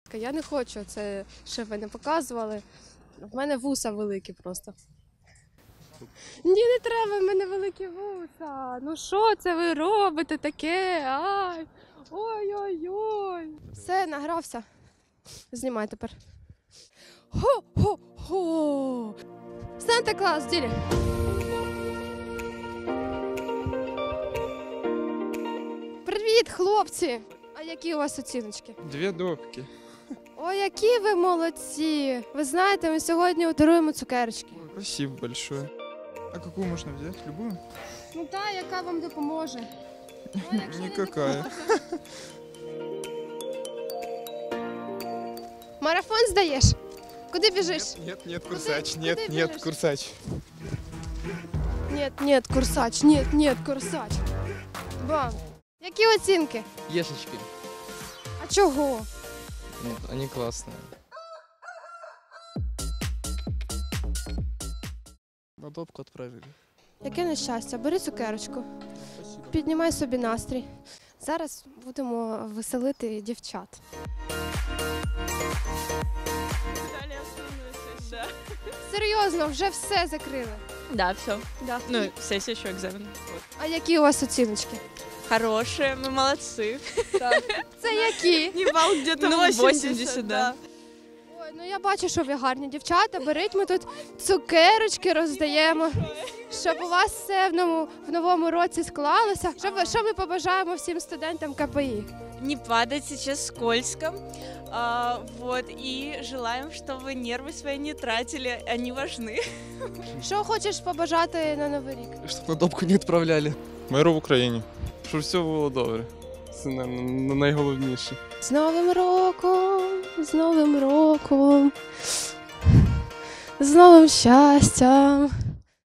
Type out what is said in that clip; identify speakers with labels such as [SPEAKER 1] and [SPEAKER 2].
[SPEAKER 1] Я не хочу це, щоб ви не показували. В мене вуса великі просто. Ні, не треба, в мене великі вуса. Ну що це ви робите таке? Ай! Ой-ой-ой. Все, награвся. Знімай тепер. Хо-хо-хо! Санта-Клаус, в ділі. Привіт, хлопці! А які у вас оціночки?
[SPEAKER 2] 2 допки.
[SPEAKER 1] Ой, які ви молодці! Ви знаєте, ми сьогодні даруємо цукерочки.
[SPEAKER 2] Спасибо большое. А какую можно взять? Любую?
[SPEAKER 1] Ну та, яка вам допоможе. Ой, якщо не
[SPEAKER 2] Никакая.
[SPEAKER 1] Марафон здаєш? Куди біжиш?
[SPEAKER 2] Нет,
[SPEAKER 1] курсач,
[SPEAKER 2] Нет,
[SPEAKER 1] куди
[SPEAKER 2] нет,
[SPEAKER 1] біжиш?
[SPEAKER 2] курсач.
[SPEAKER 1] Нет, курсач, нет, курсач. Бам! Які оцінки?
[SPEAKER 3] Ешечки.
[SPEAKER 1] А чого?
[SPEAKER 3] Они классные. На допку отправили.
[SPEAKER 1] Яке нещастя, бери цукерочку, піднімай собі настрій. Зараз будемо веселити дівчат.
[SPEAKER 4] Да.
[SPEAKER 1] Серйозно, вже все закрили.
[SPEAKER 4] Да, все.
[SPEAKER 1] Да.
[SPEAKER 4] Ну, сессия еще экзамен. Вот.
[SPEAKER 1] А які у вас оціночки?
[SPEAKER 4] Хорошие, мы молодцы.
[SPEAKER 1] Це які?
[SPEAKER 4] Не балл где-то
[SPEAKER 5] Ну,
[SPEAKER 4] 80, да.
[SPEAKER 1] Ой, ну я бачу, що ви гарні дівчата. Беріть, ми тут цукерочки роздаємо, щоб у вас все в новому році склалося. Що ми побажаємо всім студентам КПІ?
[SPEAKER 5] Не падать сейчас скользко. Вот, и желаем, чтобы нервы свои не тратили, они важны.
[SPEAKER 1] Що хочеш побажати на Новий рік?
[SPEAKER 3] Чтоб на допку не отправляли.
[SPEAKER 2] Миру в Україні. Щоб все було добре. Це найголовніше.
[SPEAKER 1] З Новим роком, з Новим роком, з новим щастям.